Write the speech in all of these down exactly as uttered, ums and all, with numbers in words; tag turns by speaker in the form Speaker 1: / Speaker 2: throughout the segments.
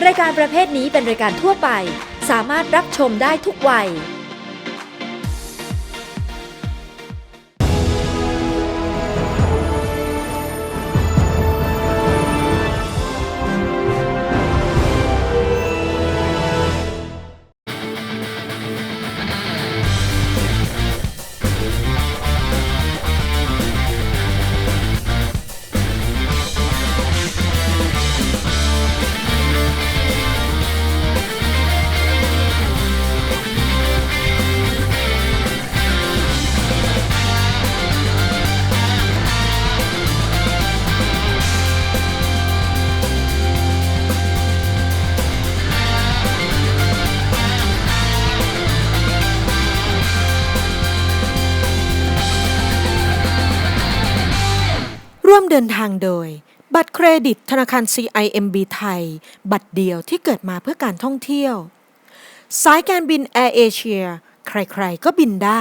Speaker 1: รายการประเภทนี้เป็นรายการทั่วไปสามารถรับชมได้ทุกวัย
Speaker 2: ร่วมเดินทางโดยบัตรเครดิตธนาคาร ซี ไอ เอ็ม บี ไทยบัตรเดียวที่เกิดมาเพื่อการท่องเที่ยวสายการบินแอร์เอเชียใครๆก็บินได้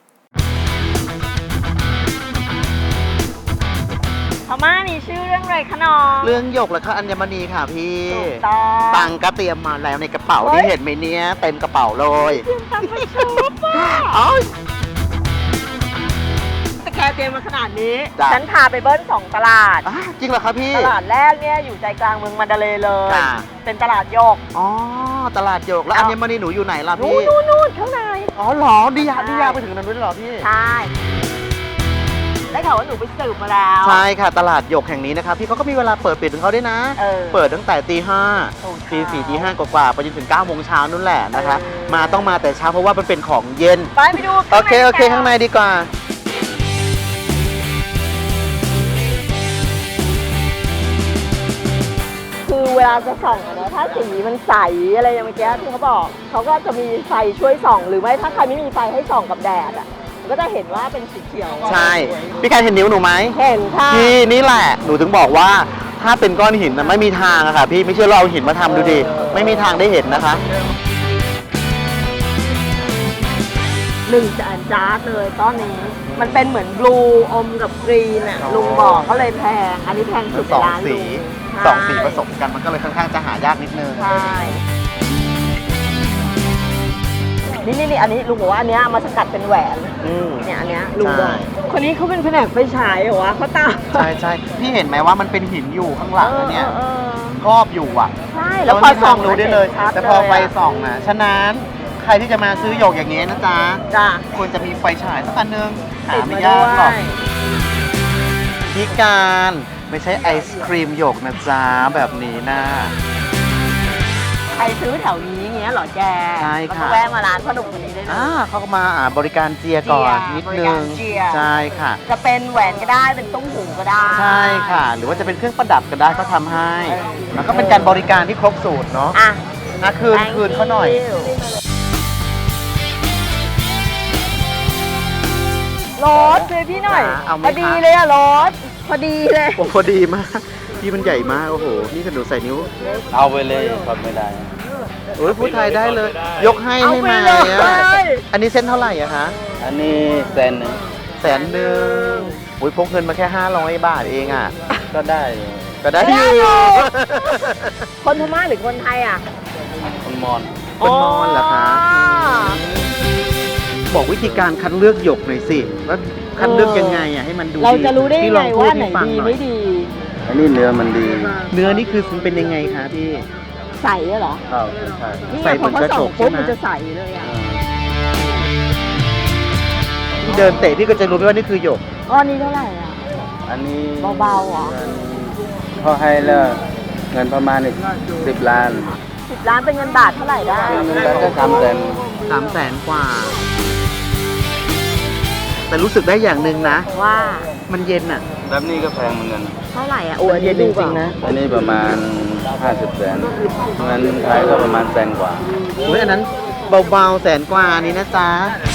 Speaker 3: พม่านี่ชื่อเรื่องอะไรคะน้อง
Speaker 4: เรื่องหยกและค่ะอัญมณีค่ะพี่
Speaker 3: ถูกต้อง
Speaker 4: ตังค์ก็เตรียมมาแล้วในกระเป๋า
Speaker 3: เฮ้ย
Speaker 4: ที่เห็นไหมเนี้ยเต็มกระเป๋าเลย
Speaker 3: เตรียมตังค์ไปช็อปอ่ะ
Speaker 4: เอ้ย
Speaker 3: แต่แกเตรียมมาขนาดนี้
Speaker 4: จ้ะ
Speaker 3: ฉันพาไปเบิ้ลสองตลาด
Speaker 4: อ่ะจริงเหรอคะพี่
Speaker 3: ตลาดแรกเนี่ยอยู่ใจกลางเมืองมันดาเลย์เลย
Speaker 4: จ้ะ
Speaker 3: เป็นตลาดโยก
Speaker 4: อ๋อตลาดหยกแล้ว
Speaker 3: เอา
Speaker 4: อัญมณีหนูอยู่ไหนล่ะ
Speaker 3: นู่
Speaker 4: พี่
Speaker 3: นนู่นนู่นข้างใน
Speaker 4: อ๋อเหรอดียา
Speaker 3: ใช่
Speaker 4: ดียาไปถึงนั้นด้วยเหรอพี่
Speaker 3: ใช่ ได้ข่าวว่าหนูไปสืบมาแล้ว
Speaker 4: ใช่ค่ะตลาดหยกแห่งนี้นะคะพี่เขาก็มีเวลาเปิดปิดของเขาด้วยนะ
Speaker 3: เออ
Speaker 4: เปิดตั้งแต่ตีห้า
Speaker 3: ถูก
Speaker 4: ตีสี่ตีห้ากว่าๆไปจนถึงเก้าโมงเช้านู่นแหละนะคะ
Speaker 3: เออ
Speaker 4: มาต้องมาแต่เช้าเพราะว่ามันเป็นของเย็น
Speaker 3: ไปไปดู
Speaker 4: โอเคโอเคข้างในดีกว่า
Speaker 3: คือเวลาจะส่องอะนะถ้าสีมันใสอะไรอย่างเมื่อกี้ที่เขาบอกเขาก็จะมีไฟช่วยส่องหรือไม่ถ้าใครไม่มีไฟให้ส่องกับแดดอ่ะก็จะเห็นว่าเป็นสีเขียว
Speaker 4: ใช่พี่การเห็นนิ้วหนูไหม
Speaker 3: เห็นค่ะ
Speaker 4: พี่นี่แหละหนูถึงบอกว่าถ้าเป็นก้อนหินนะไม่มีทางอะค่ะพี่ไม่เชื่อเราเอาหินมาทำดูดิไม่มีทางได้เห็นนะคะ
Speaker 3: หนึ่งจานจาร์ดเลยก้อนนี้ มันเป็นเหมือนบลูอมกับกรีนอ่ะลุงบอกก็เลยแพง อันนี้แพงสุด
Speaker 4: สอง
Speaker 3: ในร้าน
Speaker 4: สี
Speaker 3: ลุง
Speaker 4: สองสีผสมกันมันก็เลยค่อนข้างจะหายากนิดนึง
Speaker 3: ใช่นี่นี่นี่อันนี้ลุงบอกว่าอันเนี้ยเอามาสกัดเป็นแหวน
Speaker 4: อืม
Speaker 3: เนี่ยอันเนี้ยลุง
Speaker 4: ใช่
Speaker 3: บอกคนนี้เขาเป็นแผนกไฟฉายเหรอวะเขาตาม
Speaker 4: ใช่ใช่พี่เห็นไหมว่ามันเป็นหินอยู่ข้างหลังอะเนี่ย
Speaker 3: ออออ
Speaker 4: ครอบอยู่อ่ะ
Speaker 3: ใช่แล้วพอ
Speaker 4: ไม่มี
Speaker 3: ส่อ
Speaker 4: ทาง งรู้ได้เลย
Speaker 3: ชัด
Speaker 4: แต่พอไฟ
Speaker 3: เลยะ
Speaker 4: ส่องนะฉะนั้นใครที่จะมาซื้อหยกอย่างเงี้ยนะจ๊ะ
Speaker 3: จ้ะ
Speaker 4: ควรจะมีไฟฉายสักอันนึงหา
Speaker 3: ติด
Speaker 4: ไม่
Speaker 3: มาย
Speaker 4: ากหรอก
Speaker 3: ด้วย
Speaker 4: พี่การไม่ใช่ไอศครีมหยกนะจ๊ะแบบนี้นะ
Speaker 3: ใครซื้อแถวนี้เงี้ยเหรอแก
Speaker 4: ใช่ค่ะ
Speaker 3: ก็แวะมาร้านพ่อหนุ่มคนนี้ได้เลย
Speaker 4: อ่าเขาก็มาอ่าบริการเจียก่อน
Speaker 3: เจีย
Speaker 4: นิด
Speaker 3: บริ
Speaker 4: นึ
Speaker 3: การ
Speaker 4: ง
Speaker 3: เจีย
Speaker 4: ใช่ค่ะ
Speaker 3: จะเป็นแหวนก็ได้เป็นตุ้งหูก็ได้
Speaker 4: ใช่ค่ะ หรือว่าจะเป็นเครื่องประดับก็ได้ก็ทำให้
Speaker 3: เออ
Speaker 4: แล้วก็เป็นการบริการที่ครบสูตรเนาะ
Speaker 3: อ่ะ
Speaker 4: อ่ะคืน
Speaker 3: Thank
Speaker 4: คืนเขาหน่อย
Speaker 3: you รถเลยพี่หน่อย
Speaker 4: จ๋าเอาไหม
Speaker 3: พอดี
Speaker 4: คะ
Speaker 3: เลยอะรถพอดีเลย
Speaker 4: โอ้พอดีมากพี่มันใหญ่มากโอ้โหนี่กระดูใส่นิ้ว
Speaker 5: เอาไปเลยทนไม่ได้
Speaker 4: โอ้ยพูดไทยได้เลย ยกให้
Speaker 3: เอา
Speaker 4: ให้
Speaker 3: ไป
Speaker 4: มา
Speaker 3: เลย
Speaker 4: อ่ะอันนี้เส้นเท่าไหร่อะคะ
Speaker 5: อันนี้แสนหนึ่ง
Speaker 4: แสนหนึ่งอุ้ยพกเงินมาแค่ห้าร้อยบาทเองอ่ะ
Speaker 5: ก็ได้อยู่
Speaker 4: ก็ได้อ
Speaker 3: ได้
Speaker 4: ยู่
Speaker 3: อยู่ คนพม่าหรือคนไทยอ่ะ
Speaker 5: คนมอน
Speaker 4: คนมอญเหรอคะ บอกวิธีการคัดเลือกหยกหน่อยสิว่าคัดเลือกยังไงอ่ะให้มันดู
Speaker 3: เราจะรู้ได้
Speaker 4: พี่
Speaker 3: ยัง
Speaker 4: ล
Speaker 3: ไง
Speaker 4: องพู
Speaker 3: ว่าไหน
Speaker 4: ให้ฟัง
Speaker 3: ดี
Speaker 4: อย
Speaker 3: ไม่ดี
Speaker 5: อันนี้เนื้อมันดี
Speaker 4: เนื้อนี่คือมันเป็นยังไงคะพี่
Speaker 3: ใสอะเหรอ
Speaker 5: ข้าวใช่
Speaker 3: นี่
Speaker 4: ใส่
Speaker 3: ไง
Speaker 4: เห
Speaker 3: พ
Speaker 4: มื
Speaker 3: อ
Speaker 4: อน
Speaker 3: เขา
Speaker 4: กระ
Speaker 3: ส่
Speaker 4: จ
Speaker 3: อง
Speaker 4: ก
Speaker 3: ปุ๊บ
Speaker 4: ใช่ไหม
Speaker 3: มันจะใสเลยอ่ะ
Speaker 4: พี่เดินเตะพี่ก็จะรู้ไหมว่านี่คือหยก
Speaker 3: ก้อนนี้เท่าไหร่อ่ะ
Speaker 5: อันนี้
Speaker 3: เบาๆเหรอ
Speaker 5: เขาให้เลิกเงินประมาณอีกสิบล้าน
Speaker 3: สิบล้านเป็นเงินบาทเท่าไหร่ได้
Speaker 5: แล้วก็ทำเต็ม
Speaker 4: สามแสนกว่า แต่รู้สึกได้อย่างหนึ่งนะ
Speaker 3: ว่า
Speaker 4: มันเย็นอ่ะ
Speaker 5: แบบนี้ก็แพงเหมือนกัน
Speaker 3: เท่าไหร่อ่ะโอ้ย
Speaker 4: มันเย็นจริงๆนะ
Speaker 5: อันนี้ประมาณห้าสิบแสนเงินไทยก็ประมาณแสนกว่า
Speaker 4: โอ้ยอันนั้นเบาๆแสนกว่านี้นะจ๊ะ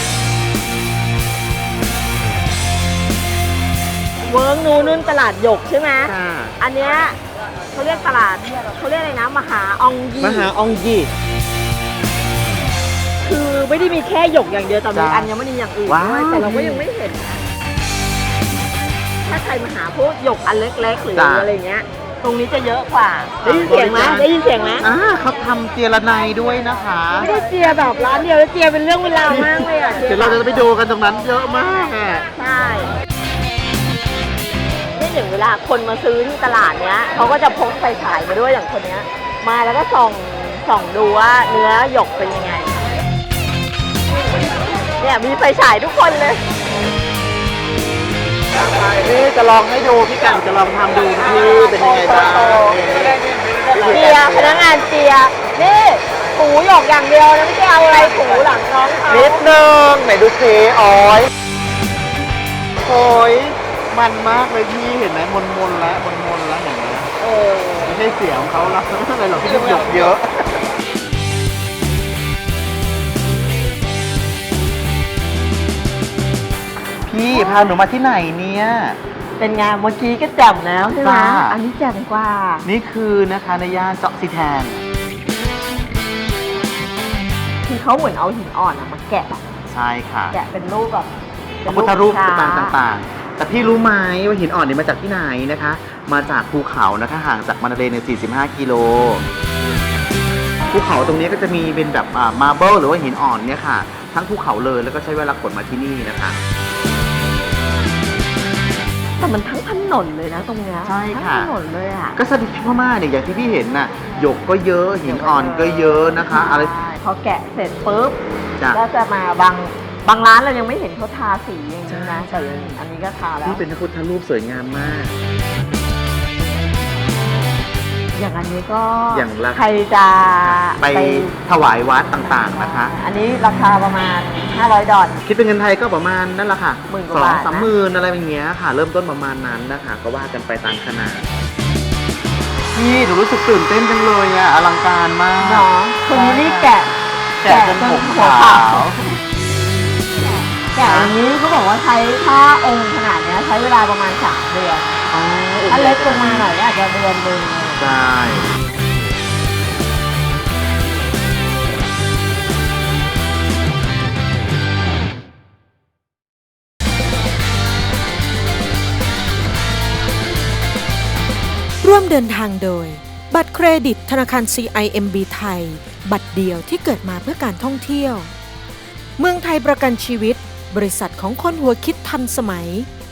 Speaker 3: เวิร์กนูนุ่นตลาดหยกใช่ไหม
Speaker 4: ค่ะ
Speaker 3: อันเนี้ยเขาเรียกตลาดเขาเรียกอะไรนะมหาอองยี
Speaker 4: มหาอองยี
Speaker 3: คือไม่ได้มีแค่หยกอย่างเดียวแต่มี
Speaker 4: จ้ะ
Speaker 3: อัญมณีอย่างอื่น
Speaker 4: ว้าว
Speaker 3: ด้วยแต่เราก็ยังไม่เห็นนะถ้าใครมาหาพวกหยกอันเล็กๆหรืออะไรเงี้ยตรงนี้จะเยอะกว่าได้ยินเสียงไหมได้ยินเสียงไหม
Speaker 4: อ่าเขาทำเจรไนยด้วยนะคะ
Speaker 3: ไม่ได้เจียแบบร้านเดียวแล้วเจียเป็นเรื่องเวลามากเลยอ่ะ
Speaker 4: เดี๋ยวเราจะไปดูกันตรงนั้นเยอะมากอ่ะ
Speaker 3: ใช่นี่อย่างเวลาคนมาซื้อที่ตลาดเนี้ยเขาก็จะพกไฟฉายมาด้วยอย่างคนเนี้ยมาแล้วก็ส่องส่องดูว่าเนื้อหยกเป็นยังไงเนี่ยมีไฟฉายทุกคนเลย
Speaker 4: นี่จะลองให้ดูพี่กันจะลองทำดูพี่เป็นยังไงบ้าง
Speaker 3: เจียพนักงานเจียนี่ถูหยกอย่างเดียวนะไม่ใช่เอาอะไรถูหลังน้องเขา
Speaker 4: นิดนึงไหนดูซิอ้อยโอ้ยมันมากเลยพี่เห็นไหมมนมนๆแล้วมนมนๆแล้วเห็นไหม
Speaker 3: เออ
Speaker 4: ไม่ใช่เสียงของเขาแล้วไม่ใช่อะไรหรอกพี่หยกเยอะพี่พาหนูมาที่ไหนเนี่ย
Speaker 3: เป็นไงเมื่อกี้ก็แจ่มแล้วใช่ไหม
Speaker 4: จ้า
Speaker 3: อันนี้แจ่มกว่า
Speaker 4: นี่คือนะคะในย่านเจาะซีแทน
Speaker 3: คือเขาเหมือนเอาหินอ่อนอะมาแกะ
Speaker 4: ใช่ค่ะ
Speaker 3: แกะเป็นรูปแบบ
Speaker 4: พระพุทธรูป
Speaker 3: ช้
Speaker 4: ต่างๆ แต่พี่รู้ไหมว่าหินอ่อนเนี่ยมาจากที่ไหนนะคะ มาจากภูเขานะคะห่างจากมานาเลเนี่ยสี่สิบห้ากิโลภูเขาตรงนี้ก็จะมีเป็นแบบมาร์เบิลหรือว่าหินอ่อนเนี่ยค่ะ ทั้งภูเขาเลยแล้วก็ใช้เวลาขนมาที่นี่นะคะ
Speaker 3: แต่มันทั้งถนนเลยนะตรงเนี้ย
Speaker 4: ใช่ค่ะ
Speaker 3: ทั้งถนนเลยอ่ะ
Speaker 4: ก็สถิตพม่าเนี่ยอย่างที่พี่เห็นน่ะหยกก็เยอะหินอ่อนก็เยอะนะคะ อะไร
Speaker 3: ใช่พอแกะเสร็จปุ๊บ
Speaker 4: จ้ะ
Speaker 3: ก็จะมาบางบางร้านเรายังไม่เห็นเขาทาสีอย่างนี้นะ
Speaker 4: ใช่
Speaker 3: แต่อันนี้ก็ทาแล้ว
Speaker 4: นี่เป็นพระพุทธรูปสวยงามมาก
Speaker 3: อย่างอันนี้ก็
Speaker 4: อย่างละ
Speaker 3: ใครจะ
Speaker 4: ไปถวายวัดต่างๆนะคะ
Speaker 3: อันนี้ราคาประมาณห้าร้อยดอล
Speaker 4: คิดเป็นเงินไทยก็ประมาณนั่นแหละค่ะ
Speaker 3: หมื่นก
Speaker 4: ส
Speaker 3: ว่า
Speaker 4: อง
Speaker 3: บาทนะ
Speaker 4: สามหมื่นอะไรอย่างเงี้ยค่ะ เริ่มต้นประมาณนั้นนะคะ ก็ว่ากันไปตามขนาดพี่หนูรู้สึกตื่นเต้นจังเลยอ่ะอลังการมาก
Speaker 3: เนาะคนนี้นี่แกะ
Speaker 4: แกะจนผม
Speaker 3: หัว
Speaker 4: ขาว
Speaker 3: แกะอย่างนี้เขาบอกว่าใช้ผ้าองค์ขนาดเนี้ยใช้เวลาประมาณสามเดือน
Speaker 4: อ๋อ
Speaker 3: ถ้าเล็กลงมาหน่อยก็อาจจะเดือนหนึ่ง
Speaker 4: ใช่
Speaker 2: ร่วมเดินทางโดย บัตรเครดิตธนาคาร ซี ไอ เอ็ม บี ไทย บัตรเดียวที่เกิดมาเพื่อการท่องเที่ยว เมืองไทยประกันชีวิต บริษัทของคนหัวคิดทันสมัย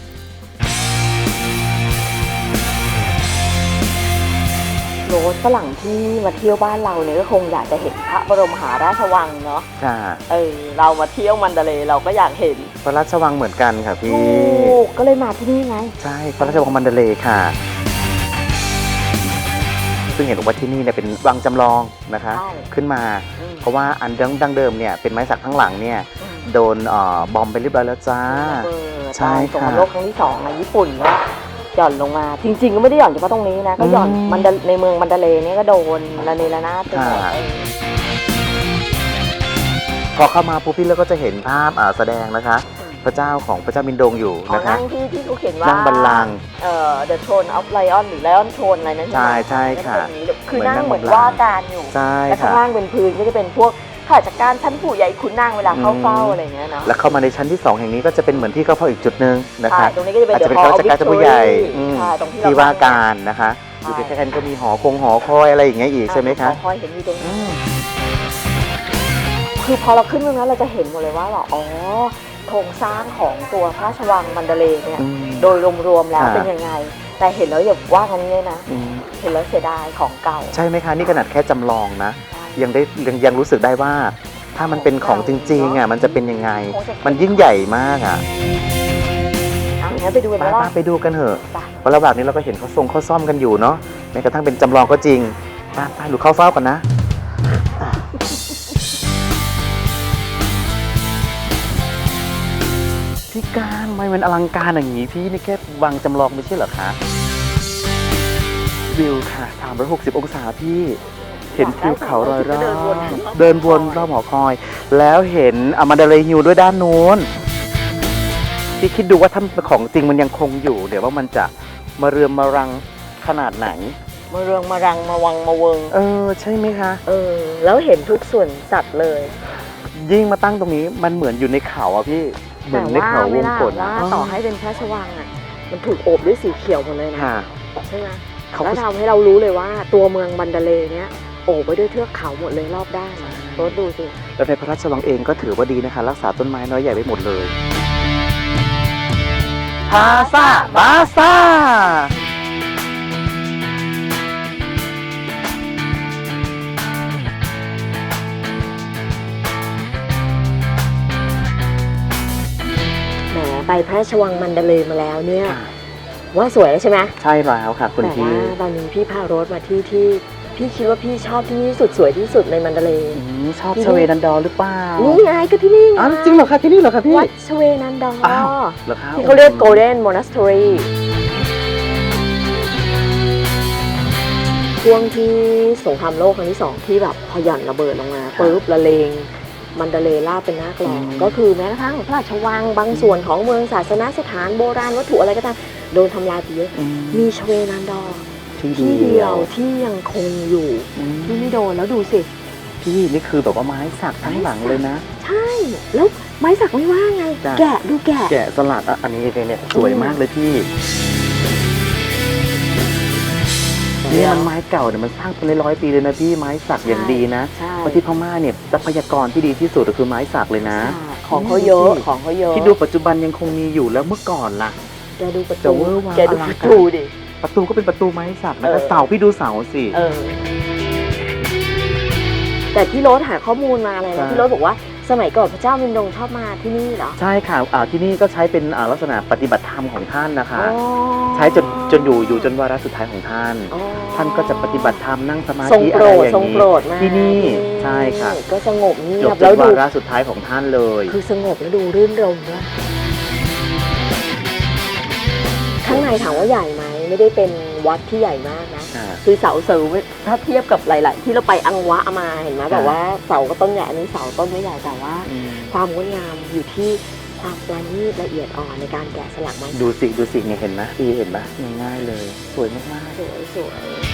Speaker 3: โรสฝรั่งที่มาเที่ยวบ้านเราเนี่ยก็คงอยากจะเห็นพระบรมมหาราชวังเนาะ
Speaker 4: ค่ะ
Speaker 3: เออเรามาเที่ยวมันดาเลย์เราก็อยากเห็น
Speaker 4: พระราชวังเหมือนกันค่ะพี่
Speaker 3: ถูกก็เลยมาที่นี่ไง
Speaker 4: ใช่พระราชวังมันเดเลย์ค่ะ ซึ่งเห็นว่าที่นี่เนี่ยเป็นวังจำลองนะคะ
Speaker 3: ใช่
Speaker 4: ขึ้นมา
Speaker 3: อืม
Speaker 4: เพราะว่าอันดั้งเดิมเนี่ยเป็นไม้สักข้างหลังเนี่ย
Speaker 3: อืม
Speaker 4: โดนเอ่อบอมไปเรียบร้อยแล้วจ้า
Speaker 3: ระเบิด
Speaker 4: ใช่
Speaker 3: ตอนสงค
Speaker 4: ค่ะ
Speaker 3: รามโลกครั้งที่สองในญี่ปุ่นก็หย่อนลงมา จริง ๆ ก็ไม่ได้หย่อนเฉพาะตรงนี้นะ ก็หย่อน
Speaker 4: อืม
Speaker 3: มันดาในเมืองมันดาเลย์เนี่ยก็โดนระเนระนาดไปหมด
Speaker 4: ค่ะ
Speaker 3: เออ
Speaker 4: พอเข้ามาปุ๊บพี่เราก็จะเห็นภาพอ่าแสดงนะคะ พระเจ้าของพระเจ้ามินโดงอยู่
Speaker 3: อ๋อ
Speaker 4: นะคะ
Speaker 3: นั่งที่ที่เขาเขียนว่า
Speaker 4: นั่งบัลลังก์
Speaker 3: เอ่อ The Throne of Lion หรือ Lion Throne อะไรนั่นใช่ไหม
Speaker 4: ใช่ใช่ค่ะ
Speaker 3: นั่งตรงนี้คือ
Speaker 4: เหมือน
Speaker 3: นั่ง
Speaker 4: นั่ง
Speaker 3: เหมือน
Speaker 4: บัลลังก์
Speaker 3: ว่าการอยู่
Speaker 4: ใช่
Speaker 3: และข้าง
Speaker 4: ค่ะ
Speaker 3: ล่างเป็นพื้นก็จะเป็นพวกข้าราชการชั้นผู้ใหญ่ขุนนางเวลาเข้าเฝ้า
Speaker 4: อืม
Speaker 3: อะไรอย่างเงี้ยเนาะ
Speaker 4: แล้วเข้ามาในชั้นที่สองแห่งนี้ก็จะเป็นเหมือนที่เข้าเฝ้าอีกจุดหนึ่งนะคะ
Speaker 3: ใช่ตรงนี้ก็จะเป็น
Speaker 4: อาจจะเป็น
Speaker 3: The
Speaker 4: ข้า
Speaker 3: Hall
Speaker 4: ราช
Speaker 3: of
Speaker 4: การชั้นผู้ใหญ่
Speaker 3: Victory
Speaker 4: อืม
Speaker 3: ใช่ตรงที่
Speaker 4: ที่
Speaker 3: เรา
Speaker 4: ว่าการนะคะ
Speaker 3: ใช่
Speaker 4: อยู่ใกล้ๆกันก็มีหอคงหอคอยอะไรอย่างเงี้ยอีกใช่ไหมคะ
Speaker 3: คอยเห็นอยู่ตรงนี้คือพอเราขึ้นตรงนั้นเราจะเห็นหมดเลยว่าแบบอ๋อโครงสร้างของตัวพระราชวังมันดาเลย์เนี่ย
Speaker 4: อืม
Speaker 3: โดยรวมๆแล้ว
Speaker 4: ค่ะ
Speaker 3: เป็นยังไง แต่เห็นแล้วอย่าว่ากันเนี่ยนะ
Speaker 4: อืม
Speaker 3: เห็นแล้วเสียดายของเก่า
Speaker 4: ใช่ไหมคะนี่ขนาดแค่จำลองนะ ยังได้ยังยังรู้สึกได้ว่า ถ้ามันเป็นของจริงๆอ่ะมันจะเป็นยังไง มันยิ่งใหญ่มากอ่ะ
Speaker 3: เอางั้นไปดูกัน
Speaker 4: ไป
Speaker 3: ไหมล่ะ
Speaker 4: ๆไปดูกันเถอะ
Speaker 3: ไป
Speaker 4: เพราะระหว่างนี้เราก็เห็นเขาทรงเขาซ่อมกันอยู่เนาะแม้กระทั่งเป็นจำลองก็จริงไปไปหรือเข้าเฝ้ากันนะพี่การทำไมมันอลังการอย่างนี้พี่นี่แค่วางจำลองไม่ใช่เหรอคะวิวค่ะสามร้อยหกสิบองศาพี่เห็นทิวเขารอยรอบเดินวนรอบหอคอย แล้วเห็นอมาดาเลฮิวด้วยด้านนู้นพี่คิดดูว่าถ้าของจริงมันยังคงอยู่ เดี๋ยวว่ามันจะมาเรืองมารังขนาดไหน
Speaker 3: มาเรืองมารังมาวังมาเวิง
Speaker 4: เออใช่ไหมคะ
Speaker 3: เออ แล้วเห็นทุกส่วนสัตว์เลย
Speaker 4: ยิ่งมาตั้งตรงนี้มันเหมือนอยู่ในเขาอะพี่เหมือนในเขาวงกต
Speaker 3: ว่าต่อให้เป็นพระราชวังอ่ะ มันถูกโอบด้วยสีเขียวหมดเลยนะ
Speaker 4: ค่ะ
Speaker 3: ใช่ไหม
Speaker 4: เขา
Speaker 3: แล้ว
Speaker 4: ก็
Speaker 3: ทำให้เรารู้เลยว่าตัวเมืองมันดาเลย์เนี้ยโอบไปด้วยเทือกเขาหมดเลยรอบด้านรถดูสิ
Speaker 4: แล้วในพระราชวังเองก็ถือว่าดีนะคะ รักษาต้นไม้น้อยใหญ่ไว้หมดเลยพาซาบาซา
Speaker 3: แหมไปพระราชวังมันดาเลย์มาแล้วเนี่ยว่าสวยแล้วใช่ไหม
Speaker 4: ใช่แล้วค่ะคุณ
Speaker 3: แต่
Speaker 4: พี่
Speaker 3: ว่าตอนนี้พี่พารถมาที่ที่พี่คิดว่าพี่ชอบที่นี่สุดสวยที่สุดในมันดาเลย์
Speaker 4: อืมชอบชเวนันดอร์หรือเปล่า
Speaker 3: นี่ไงก็ที่นี่ไง
Speaker 4: อ๋อจริงเหรอคะที่นี่เหรอคะพี่
Speaker 3: วัดชเวนันดอร์
Speaker 4: อ้าวเหรอคะ
Speaker 3: ที่เขาเรียก Golden Monastery ช่วงที่สงครามโลกครั้งที่สองที่แบบพอหย่อนระเบิดลงมาปุ๊บละเลงมันดาเลย์ลาบเป็นหน้ากลองก็คือแม้กระทั่งพระราชวังบางส่วนของเมืองศาสนสถานโบราณวัตถุอะไรก็ตามโดนทำลายไปเยอะ
Speaker 4: อืม
Speaker 3: มีชเวนันดอร์
Speaker 4: ที่
Speaker 3: ที่
Speaker 4: เดี
Speaker 3: เดี
Speaker 4: ย
Speaker 3: ยว วที่ยังคงอยู่
Speaker 4: อืม
Speaker 3: ที่ไม่โดนแล้วดูสิ
Speaker 4: พี่นี่คือแบบว่าไม้สักทั้งหลังเลยนะ
Speaker 3: ใช่ แล้วไม้สักไม่ว่าไง
Speaker 4: จ้ะ
Speaker 3: แกะดูแกะ
Speaker 4: แกะสลักอ่ะอันนี้เนี่ยสวยมากเลยพี่นี่มันไม้เก่าเนี่ยมันสร้างเป็นร้อยๆปีเลยนะพี่ไม้สักอย่างดีนะ
Speaker 3: ใช่
Speaker 4: เพราะที่พม่าเนี่ยทรัพยากรที่ดีที่สุดก็คือไม้สักเลยนะ
Speaker 3: ใช่ของเขาเยอะของเขาเยอะ
Speaker 4: ที่ดูปัจจุบันยังคงมีอยู่แล้วเมื่อก่อนล่ะ
Speaker 3: แกดูประ
Speaker 4: จะ
Speaker 3: ตู
Speaker 4: เวอร์วัง
Speaker 3: แกดู
Speaker 4: อลั
Speaker 3: ป
Speaker 4: ง
Speaker 3: ระ
Speaker 4: การ
Speaker 3: ตูดิ
Speaker 4: ประตูก็เป็นประตูไม้สักนะ
Speaker 3: เอ
Speaker 4: คะ
Speaker 3: อ
Speaker 4: เสาพี่ดูเสาสิ
Speaker 3: เออ แต่ที่รถหาข้อมูลมาอะไร
Speaker 4: ใช่
Speaker 3: นะที่รถบอกว่าสมัยก่อนพระเจ้ามินดงชอบมาที่นี่เหรอ
Speaker 4: ใช่ค่ะอ่าที่นี่ก็ใช้เป็นอ่าลักษณะปฏิบัติธรรมของท่านนะคะ
Speaker 3: อ๋อ
Speaker 4: ใช้จนจนอยู่อยู่จนวาระสุดท้ายของท่าน
Speaker 3: อ๋อ
Speaker 4: ท่านก็จะปฏิบัติธรรมนั่งสมา
Speaker 3: ทรง
Speaker 4: ธิ
Speaker 3: โป
Speaker 4: อะ
Speaker 3: ร
Speaker 4: ไร
Speaker 3: ด
Speaker 4: อย่า
Speaker 3: ทรง
Speaker 4: ง
Speaker 3: โปร
Speaker 4: นี้
Speaker 3: ดมาก
Speaker 4: ที่นี่ใช่ค่ะ
Speaker 3: ก็สงบเงี
Speaker 4: จ
Speaker 3: ย
Speaker 4: บบ จ
Speaker 3: แล้ว
Speaker 4: น
Speaker 3: ดู
Speaker 4: วาระสุดท้ายของท่านเลย
Speaker 3: คือสงบแล้วดูรื่นรมย์ด้วยข้างในถามว่าใหญ่ไหมไม่ได้เป็นวัดที่ใหญ่มากนะ
Speaker 4: อ่า
Speaker 3: คือเสาเสริมถ้าเทียบกับหลาย ๆ ที่เราไปอังวะมาเห็นไหม
Speaker 4: ค่ะ
Speaker 3: แบบว่าเสาก็ต้นใหญ่อันนี้เสาต้นไม่ใหญ่แต่ว่า
Speaker 4: อืม
Speaker 3: ความงดงามอยู่ที่ความประณีตละเอียดอ่อนในการแกะสลักไม้
Speaker 4: ดูสิดูสิเนี่ยเห็นไหมพี่เห็นไหมง่ายๆเลย สวยมาก
Speaker 3: สวยสวย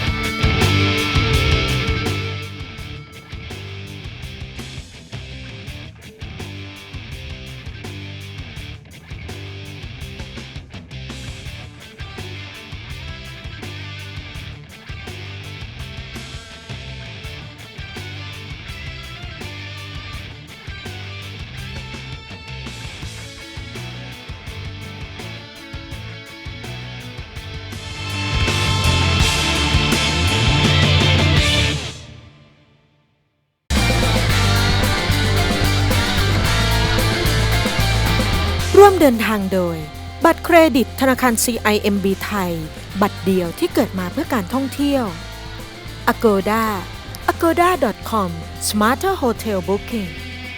Speaker 2: ร่วมเดินทางโดย บัตรเครดิตธนาคาร ซี ไอ เอ็ม บี ไทย บัตรเดียวที่เกิดมาเพื่อการท่องเที่ยว Agoda agoda ดอท คอม Smarter Hotel Booking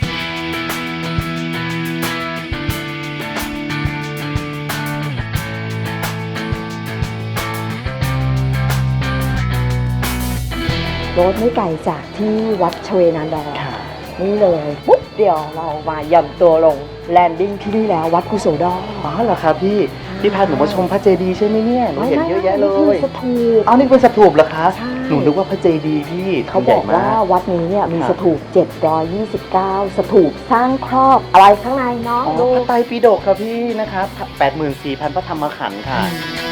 Speaker 3: รถไม่ไกลจากที่วัดชเวนันดอร์
Speaker 4: ๆค่ะ
Speaker 3: นี่เลยปุ๊บเดียวเรามาหย่อนตัวลงแลนดิ้งที่นี่แล้ววัดกุโสดอ
Speaker 4: อ๋อเหรอครับพี่พี่พาหนูมาชมพระเจดีย์ใช่ไหมเนี่ยหนูเห็นเยอะแยะเล
Speaker 3: นี่คื
Speaker 4: ย
Speaker 3: สถูป
Speaker 4: เอานี่เป็นสถูปเหรอคะ
Speaker 3: ใช่
Speaker 4: หนูนึกว่าพระเจดีย์พี่
Speaker 3: เขา
Speaker 4: ให
Speaker 3: บ
Speaker 4: ญ่
Speaker 3: อก
Speaker 4: ม
Speaker 3: ว่าวัดนี้เนี่ยมี
Speaker 4: ครับ
Speaker 3: สถูปเจ็ดร้อยยี่สิบเก้าสถูปสร้างครอบอะไรข้างในเนาะ
Speaker 4: อ๋อ
Speaker 3: ดู
Speaker 4: พระไตรปิฎกครับพี่นะคะแปดหมื่นสี่พันพระธรรมขันธ์ค่ะ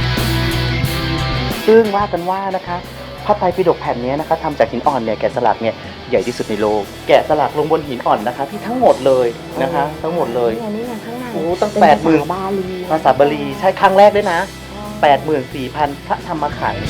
Speaker 4: ซึ่งว่ากันว่านะคะพระไตรปิฎกแผ่นนี้นะคะทำจากหินอ่อนเนี่ยแกะสลักเนี่ยใหญ่ที่สุดในโลกแกะสลักลงบนหินอ่อนนะคะที่ทั้งหมดเลยนะคะ ทั้งหมดเลย
Speaker 3: นี่ไงนี่ไงข้างใน
Speaker 4: โอ้ตั้ง
Speaker 3: เป็น
Speaker 4: แปดหมื่น
Speaker 3: ภาษาบาลี
Speaker 4: ภาษาบาลีใช่ครั้งแรกด้วยนะแปดหมื่นสี่พันพระธรรมขันธ์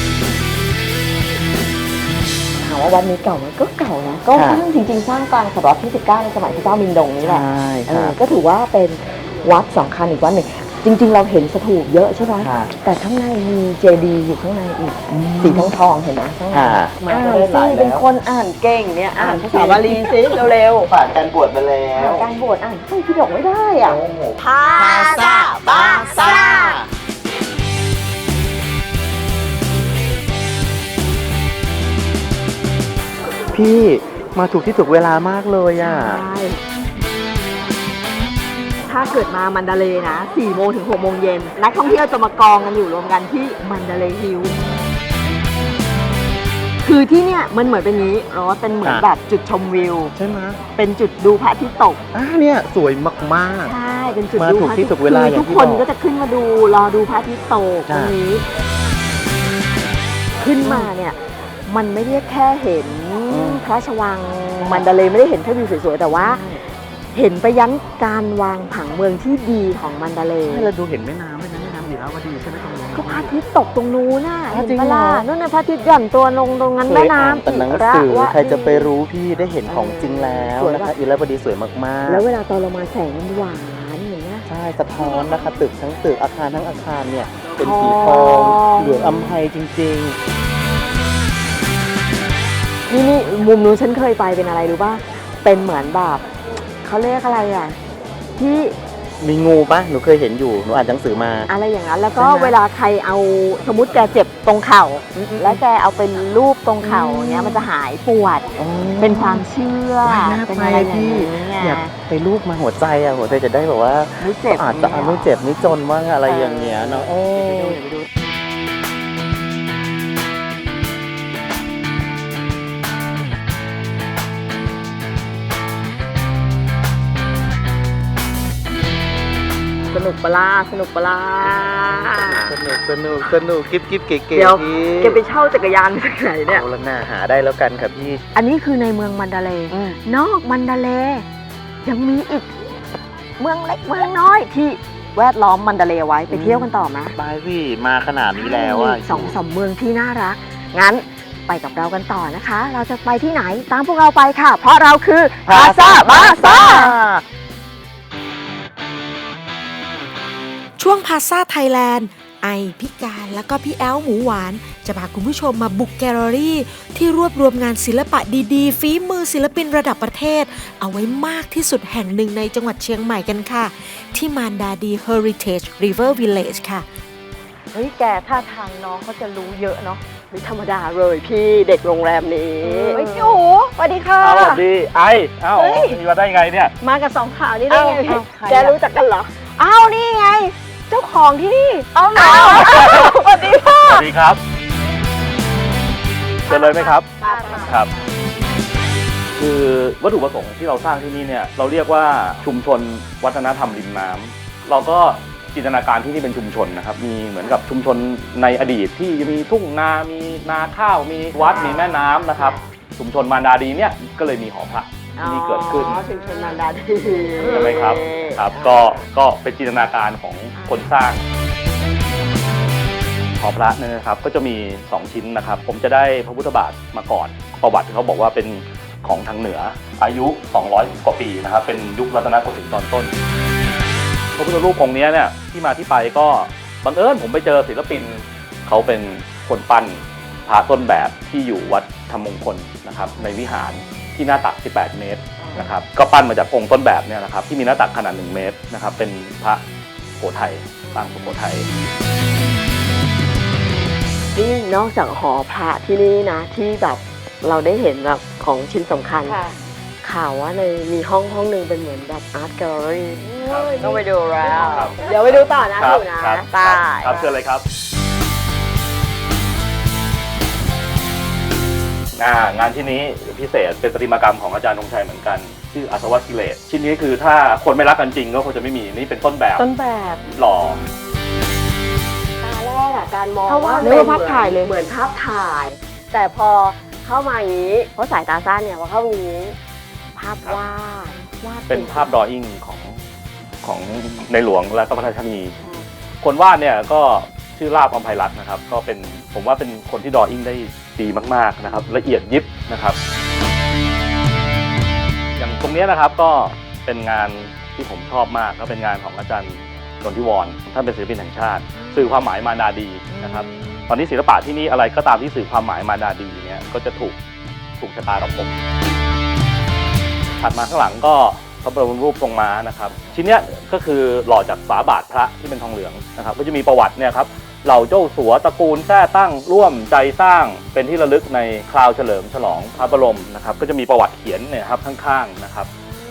Speaker 3: ถามว่าวัดนี้เก่าไหมก็เก่านะก็
Speaker 4: ค่ะ
Speaker 3: สร้างจริงๆ สร้างกลางศตวรรษที่สิบเก้าในสมัยพระเจ้ามินดงนี่แหละ
Speaker 4: ใช่
Speaker 3: เอ
Speaker 4: ค่ะ
Speaker 3: อก็ถือว่าเป็นวัดสำคัญอีกวัดหนึ่งจริง ๆ เราเห็นสถูปเยอะใช่ไหม
Speaker 4: ค่ะ
Speaker 3: แต่ข้างในมีเจดีย์อยู่ข้างในอีกสีทองทองๆเห็นไหมข้างใน
Speaker 4: ค่ะ
Speaker 3: อ่านสิเป็นคนอ่านเก่งเนี่ยอ่านภาษาบาลีสิเร็ว
Speaker 4: ผ่านการบวชมาแล้
Speaker 3: ๆ
Speaker 4: ว
Speaker 3: อ่านการบวชอ่านไตรปิฎกไม่ได้อ่ะ
Speaker 4: ภาษาบาษาพี่มาถูกที่ถูกเวลามากเลยอ่ะ
Speaker 3: ใช่ถ้าเกิดมามันดาเลย์นะสี่โมงถึงหกโมงเย็นนักท่องเที่ยวจะมากองกันอยู่รวมกันที่มันดาเลย์ฮิลล์คือที่เนี่ยมันเหมือนเป็นนี้รถเป็นเหมือน
Speaker 4: ค่ะ
Speaker 3: แบบจุดชมวิว
Speaker 4: ใช่ไหม
Speaker 3: เป็นจุดดูพระอาทิตย์ตก
Speaker 4: อ่าเนี่ยสวยมาก
Speaker 3: ใช่ เป็นจุด
Speaker 4: มา
Speaker 3: ดู
Speaker 4: ถูก
Speaker 3: พระอา
Speaker 4: ที่
Speaker 3: ทิตย์
Speaker 4: ถูกเวลา
Speaker 3: คือ
Speaker 4: อย่าง
Speaker 3: ทุก
Speaker 4: ที่
Speaker 3: คน
Speaker 4: บอก
Speaker 3: ก็จะขึ้นมาดูรอดูพระอาทิตย์ตกต
Speaker 4: จ้ะ
Speaker 3: รงนี้ขึ้นมาเนี่ยมันไม่ได้แค่เห็นพระราชวังมันดาเลย์ไม่ได้เห็นแค่วิวสวยๆแต่ว่าเห็นไปยันการวางผังเมืองที่ดีของมันดาเลย์
Speaker 4: เราดูเห็นแม่น้ำด้วยนะแม่น้ำลีลาวดีใช่ไหมตรงนี้
Speaker 3: ก็พระอาทิตย์ตกตรงนู้นน่ะ
Speaker 4: อ๋อ
Speaker 3: เห็น
Speaker 4: จริง
Speaker 3: ปะ
Speaker 4: เหรอ
Speaker 3: ล่ะนั่นน่ะพระอาทิตย์หย่อนตัวลงตรงนั้น
Speaker 4: เค
Speaker 3: แม่
Speaker 4: ยอ่าน
Speaker 3: น้ำ
Speaker 4: แต่หนัง
Speaker 3: อิระ
Speaker 4: สือ
Speaker 3: วะ
Speaker 4: ใครจะไปรู้พี่ได้เห็นของจริงแล้ว
Speaker 3: สวย
Speaker 4: นะ
Speaker 3: ปะ
Speaker 4: คะอิราวดีสวยมากๆ
Speaker 3: แล้วเวลาตอนเรามาแสงมันหวานอย่างเงี้ย
Speaker 4: ใช่สะท้อนนะคะตึกทั้งตึกอาคารทั้งอาคารเนี่ยเป็น
Speaker 3: ทอง
Speaker 4: สีทองเหลืองอำไพจริง
Speaker 3: นี่นี่มุมนู้นฉันเคยไปเป็นอะไรรู้ป่ะเป็นเหมือนแบบเขาเรียกอะไรอ่ะที่
Speaker 4: ๆ มีงูปะหนูเคยเห็นอยู่หนูอ่านหนังสือมา
Speaker 3: อะไรอย่างนั้นแล้วก็
Speaker 4: ใช่ไหม
Speaker 3: เวลาใครเอาสมมติแกเจ็บตรงเข่า แล้วแกเอาเป็นรูปตรงเข่าอย่างเงี้ยมันจะหายปวด
Speaker 4: อ๋อ
Speaker 3: เป็นความเชื่อ
Speaker 4: ว้ายน่า
Speaker 3: เป็น
Speaker 4: ไป
Speaker 3: อะไรอย่าง
Speaker 4: พี่
Speaker 3: นี้ไง
Speaker 4: อยากไปรูปมาหัวใจอ่ะหัวใจจะได้แบบว่า
Speaker 3: ไม่เจ็บ
Speaker 4: อาจจะไม่เจ็บไม่จนว่างอะไรอย่างเงี้ยเนาะเออ
Speaker 3: สนุกปะล่าสนุกปะล่า
Speaker 4: สนุกสนุกสนุกกิ๊บกิ๊บเก๋ๆ
Speaker 3: เดี๋ยว
Speaker 4: พี่
Speaker 3: แกไปเช่าจักรยานมาจากไหนเนี่ย
Speaker 4: เอาละหน้าหาได้แล้วกันค่ะพี่
Speaker 3: อันนี้คือในเมืองมันดาเลย์นอกมันดาเลย์ยังมีอีกเมืองเล็กเมืองน้อยที่แวดล้อมมันดาเลย์ไว้ไปเที่ยวกันต่อไหม
Speaker 4: บายพี่มาขนาดนี้แล้วอ่ะ
Speaker 3: มีสองสามเมืองที่น่ารัก งั้นไปกับเรากันต่อนะคะ เราจะไปที่ไหนตามพวกเราไปค่ะ เพราะเราคือพาซาบาซา
Speaker 2: ช่วงพาซาไทยแลนด์ไอพิการแล้วก็พี่แอลหมูหวาน จะพาคุณผู้ชมมาบุกแกลเลอรี่ ที่รวบรวมงานศิลปะดีๆ ฝีมือศิลปินระดับประเทศ เอาไว้มากที่สุดแห่งหนึ่งในจังหวัดเชียงใหม่กันค่ะ ที่มานดาดี Heritage River Village ค่ะ
Speaker 3: เฮ้ยแกท่าทางน้องเขาจะรู้เยอะเนาะไม่ธรรมดาเลยพี่เด็กโรงแรมนี้เฮ้ยพี่โอ๋สวัสดีค่ะ
Speaker 4: สวัสดีไอเอ้า
Speaker 3: เฮ้ย
Speaker 4: มีมาได้ไงเนี่ย
Speaker 3: มากับสองข่าวนี่ได้ไง
Speaker 4: เอ้าเอ้าใครอะ
Speaker 3: แกรู้จักกันเหรออ้าวนี่ไง เจ้าของที่นี่เอาหนาสวัสดีค่ะ
Speaker 4: สวัสดีครับเจอเลยไหมครับ ครับ คือวัตถุประสงค์ที่เราสร้างที่นี่เนี่ยเราเรียกว่าชุมชนวัฒนธรรมริมน้ำเราก็จินตนาการที่นี่เป็นชุมชนนะครับมีเหมือนกับชุมชนในอดีตที่มีทุ่งนามีนาข้าวมีวัดมีแม่น้ำนะครับชุมชนมารดาดีเนี่ยก็เลยมีหอพระที่นี่เกิดขึ้น
Speaker 3: อ๋อชุมชนมารดาดี
Speaker 4: ใช่ไหมครับครับก็ก็เป็นจินตนาการของคนสร้างหอพระเนี่ยนะครับก็จะมีสองชิ้นนะครับผมจะได้พระพุทธบาทมาก่อนประวัติเขาบอกว่าเป็นของทางเหนืออายุสองร้อยกว่าปีนะครับเป็นยุครัตนโกสินทร์ตอนต้นพระพุทธรูปองค์นี้เนี่ยที่มาที่ไปก็บังเอิญผมไปเจอศิลปินเขาเป็นคนปั้นพระต้นแบบที่อยู่วัดธรรมมงคลนะครับในวิหารที่หน้าตักสิบแปดเมตรนะครับก็ปั้นมาจากองค์ต้นแบบเนี่ยนะครับที่มีหน้าตักขนาดหนึ่งเมตรนะครับเป็นพระโขทัยปางสุโขทัย
Speaker 3: นี่นอกจากหอพระที่นี่นะที่แบบเราได้เห็นแบบของชิ้นสำคัญข่าวว่าในมีห้องห้องหนึ่งเป็นเหมือนแบบอาร์ตแกลเลอรี่ต้องไปดูแล้ว
Speaker 4: ครับ
Speaker 3: เดี๋ยวไปดูต่อนะอยู่นะตาย
Speaker 4: ครับเชิญเลยครับงานงานที่นี้พิเศษเป็นประติมากรรมของอาจารย์ธงชัยเหมือนกันชื่ออาสวัตกิเลสชิ้นนี้คือถ้าคนไม่รักกันจริงก็คงจะไม่มีนี่เป็นต้นแบบ
Speaker 3: ต้นแบบ
Speaker 4: หล่อ
Speaker 3: ตาแรกอะการมอง
Speaker 2: เพราะว่า
Speaker 3: นึกว่าภาพถ่ายเลยเหมือนภาพถ่าย แต่พอเข้ามาอย่างนี้เพราะสายตาสั้นเนี่ยพอเข้ามาอย่างนี้ภาพวาดวาด
Speaker 4: เป็นภาพดรออิ่งของของในหลวงและก็พระราชนีคนวาดเนี่ยก็ชื่อลาภอำไพรัตน์นะครับก็เป็นผมว่าเป็นคนที่ดรออิ่งได้ดีมากๆนะครับละเอียดยิบนะครับอย่างตรงนี้นะครับก็เป็นงานที่ผมชอบมากก็เป็นงานของอาจารย์นนทิวรท่านเป็นศิลปินแห่งชาติสื่อความหมายมารดาดีนะครับตอนนี้ศิลปะที่นี่อะไรก็ตามที่สื่อความหมายมารดาดีเนี่ยก็จะถูกถูกชะตากับผมถัดมาข้างหลังก็พระบรมรูปทรงม้านะครับชิ้นเนี้ยก็คือหล่อจากฝาบาทพระที่เป็นทองเหลืองนะครับก็จะมีประวัติเนี่ยครับเหล่าเจ้าสัวตระกูลแท้ตั้งร่วมใจสร้างเป็นที่ระลึกในคราวเฉลิมฉลองพระบรมนะครับก็จะมีประวัติเขียนเนี่ยครับข้างๆนะครับ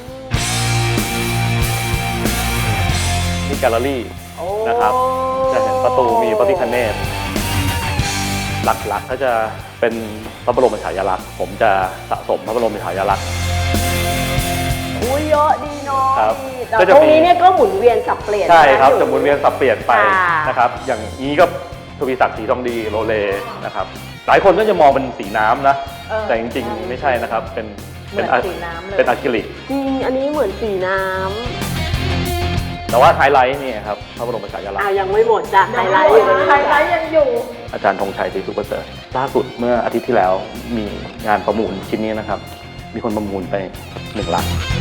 Speaker 4: นี่แกลเลอรี่นะครับจะเห็นประตูมีพระพิฆเนศหลักๆก็จะเป็นพระบรมฉายาลักษณ์ผมจะสะสมพระบรมฉายาลักษณ์
Speaker 3: อุ้ยเยอะดีเนาะ
Speaker 4: ครับ
Speaker 3: แต่
Speaker 4: ก็จะ
Speaker 3: ตรง
Speaker 4: มี
Speaker 3: นี้เนี่ยก็หมุนเวียนสับเปลี่ยน
Speaker 4: ใช่ครับ
Speaker 3: นะ
Speaker 4: จะหมุนเวียนสับเปลี่ยนไป
Speaker 3: ค่ะ
Speaker 4: นะครับอย่างนี้ก็
Speaker 6: ทวีศักดิ์ศรีทองดีโรเลนะครับหลายคนก็จะมองเป็นสีน้ำนะแต่จริงๆไม่ใช่นะครับเป็นเป็นอะเป็นอะคริลิก
Speaker 3: จริงอันนี้เหมือนสีน้
Speaker 6: แต่ว่าไฮไลท์นี่ครับพระบรมฉายา
Speaker 3: ำ
Speaker 6: ลักษ
Speaker 3: อ่า
Speaker 6: ณ์
Speaker 3: ยังไม่หมดจ้ะไฮไลท์อยู่ไฮไลท์ยังอยู่
Speaker 6: อาจารย์ธงชัยศรีสุประเสริฐล่าสุดเมื่ออาทิตย์ที่แล้วมีงานประมูลชิ้นนี้นะครับมีคนประมูลไปหนึ่งล้าน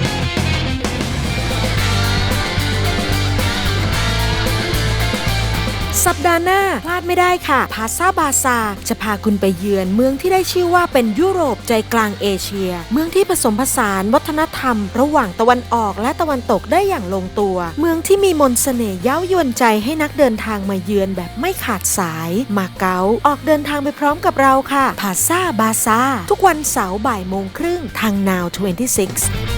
Speaker 2: สัปดาห์หน้าพลาดไม่ได้ค่ะพาซาบาซาจะพาคุณไปเยือนเมืองที่ได้ชื่อว่าเป็นยุโรปใจกลางเอเชีย เมืองที่ผสมผสานวัฒนธรรม ระหว่างตะวันออกและตะวันตกได้อย่างลงตัว เมืองที่มีมนต์เสน่ห์เย้ายวนใจให้นักเดินทางมาเยือนแบบไม่ขาดสายมาเก๊าออกเดินทางไปพร้อมกับเราค่ะพาซาบาซาทุกวันเสาร์บ่ายโมงครึ่งทาง Now ยี่สิบหก